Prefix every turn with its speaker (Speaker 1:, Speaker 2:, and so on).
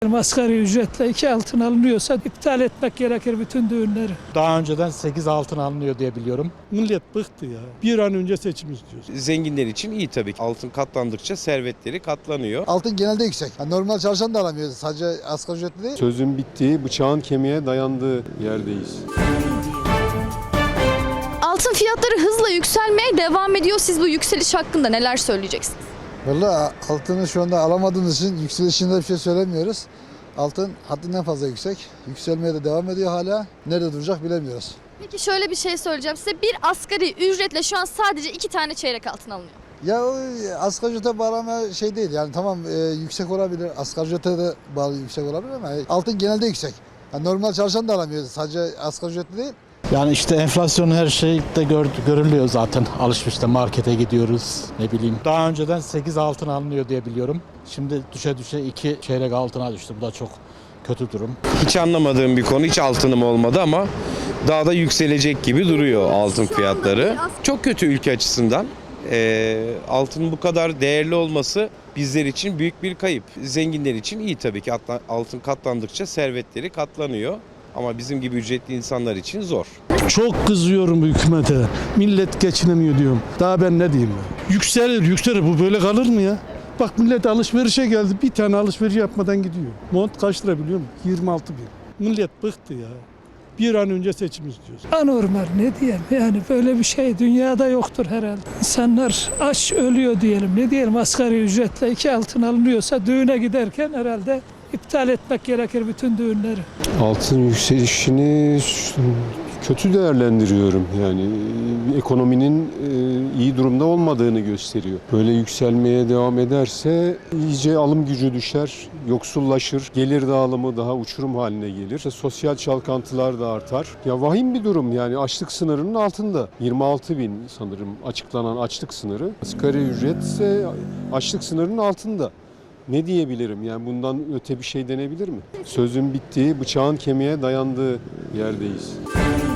Speaker 1: Asgari ücretle 2 altın alınıyorsa iptal etmek gerekir bütün düğünleri.
Speaker 2: Daha önceden 8 altın alınıyor diye biliyorum.
Speaker 3: Millet bıktı ya. Bir an önce seçim istiyoruz.
Speaker 4: Zenginler için iyi tabii ki. Altın katlandıkça servetleri katlanıyor.
Speaker 5: Altın genelde yüksek. Yani normal çalışan da alamıyor. Sadece asgari ücretli değil.
Speaker 6: Sözün bittiği, bıçağın kemiğe dayandığı yerdeyiz.
Speaker 7: Altın fiyatları hızla yükselmeye devam ediyor. Siz bu yükseliş hakkında neler söyleyeceksiniz?
Speaker 5: Valla altını şu anda alamadığımız için yükselişinde bir şey söylemiyoruz. Altın haddinden fazla yüksek. Yükselmeye de devam ediyor hala. Nerede duracak bilemiyoruz.
Speaker 7: Peki şöyle bir şey söyleyeceğim size. Bir asgari ücretle şu an sadece 2 tane çeyrek altın alınıyor.
Speaker 5: Ya o asgari ücrete bağlama şey değil. Yani tamam yüksek olabilir. Asgari ücrete de bağlı yüksek olabilir ama altın genelde yüksek. Yani normal çalışan da alamıyor. Sadece asgari ücretli değil.
Speaker 2: Yani işte enflasyon her şeyde görülüyor zaten. Alışverişte markete gidiyoruz ne bileyim. Daha önceden 8 altın alınıyor diye biliyorum. Şimdi düşe 2 çeyrek altına düştü. Bu da çok kötü durum.
Speaker 4: Hiç anlamadığım bir konu, hiç altınım olmadı ama daha da yükselecek gibi duruyor altın fiyatları. Çok kötü ülke açısından. Altının bu kadar değerli olması bizler için büyük bir kayıp. Zenginler için iyi tabii ki. Altın katlandıkça servetleri katlanıyor. Ama bizim gibi ücretli insanlar için zor.
Speaker 3: Çok kızıyorum bu hükümete. Millet geçinemiyor diyorum. Daha ben ne diyeyim ben? Yükselir. Bu böyle kalır mı ya? Bak millet alışverişe geldi. Bir tane alışveriş yapmadan gidiyor. Mont kaç lira biliyor musun? 26 bin. Millet bıktı ya. Bir an önce seçim istiyoruz.
Speaker 1: Anormal ne diyelim yani böyle bir şey dünyada yoktur herhalde. İnsanlar aç ölüyor diyelim ne diyelim asgari ücretle 2 altın alınıyorsa düğüne giderken herhalde iptal etmek gerekir bütün düğünleri.
Speaker 6: Altın yükselişini kötü değerlendiriyorum. Yani ekonominin iyi durumda olmadığını gösteriyor. Böyle yükselmeye devam ederse iyice alım gücü düşer, yoksullaşır, gelir dağılımı daha uçurum haline gelir. Sosyal çalkantılar da artar. Ya vahim bir durum yani açlık sınırının altında. 26 bin sanırım açıklanan açlık sınırı. Asgari ücret ise açlık sınırının altında. Ne diyebilirim? Yani bundan öte bir şey denebilir mi? Sözün bittiği, bıçağın kemiğe dayandığı yerdeyiz.